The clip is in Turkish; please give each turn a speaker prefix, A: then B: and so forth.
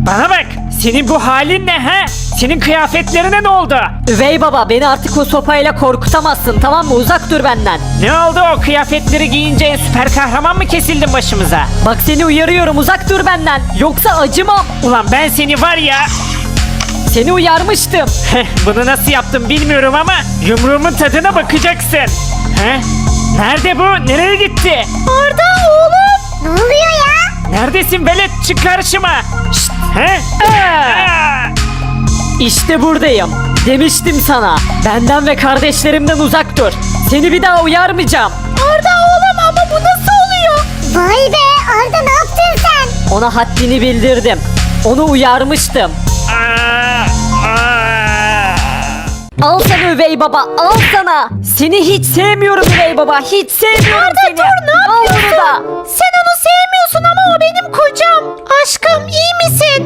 A: Bana bak, senin bu halin ne ha? Senin kıyafetlerine ne oldu?
B: Üvey baba beni artık o sopayla korkutamazsın, tamam mı? Uzak dur benden.
A: Ne oldu o kıyafetleri giyince süper kahraman mı kesildin başımıza?
B: Bak seni uyarıyorum, uzak dur benden. Yoksa acımam.
A: Ulan ben seni var ya...
B: Seni uyarmıştım.
A: Bunu nasıl yaptım bilmiyorum ama yumruğumun tadına bakacaksın. He? Nerede bu? Nereye gitti?
B: Arda oğlum.
C: Ne oluyor ya?
A: Neredesin velet? Çık karşıma. Şşt, he? Aa!
B: İşte buradayım. Demiştim sana. Benden ve kardeşlerimden uzak dur. Seni bir daha uyarmayacağım. Arda oğlum ama bu nasıl oluyor?
C: Vay be Arda, ne yaptın sen?
B: Ona haddini bildirdim. Onu uyarmıştım.
A: Aa!
B: Al sana üvey baba, al sana. Seni hiç sevmiyorum üvey baba, hiç sevmiyorum seni.
C: dur, ne
B: Al bunu da.
C: Sen onu sevmiyorsun ama o benim kocam. Aşkım iyi misin?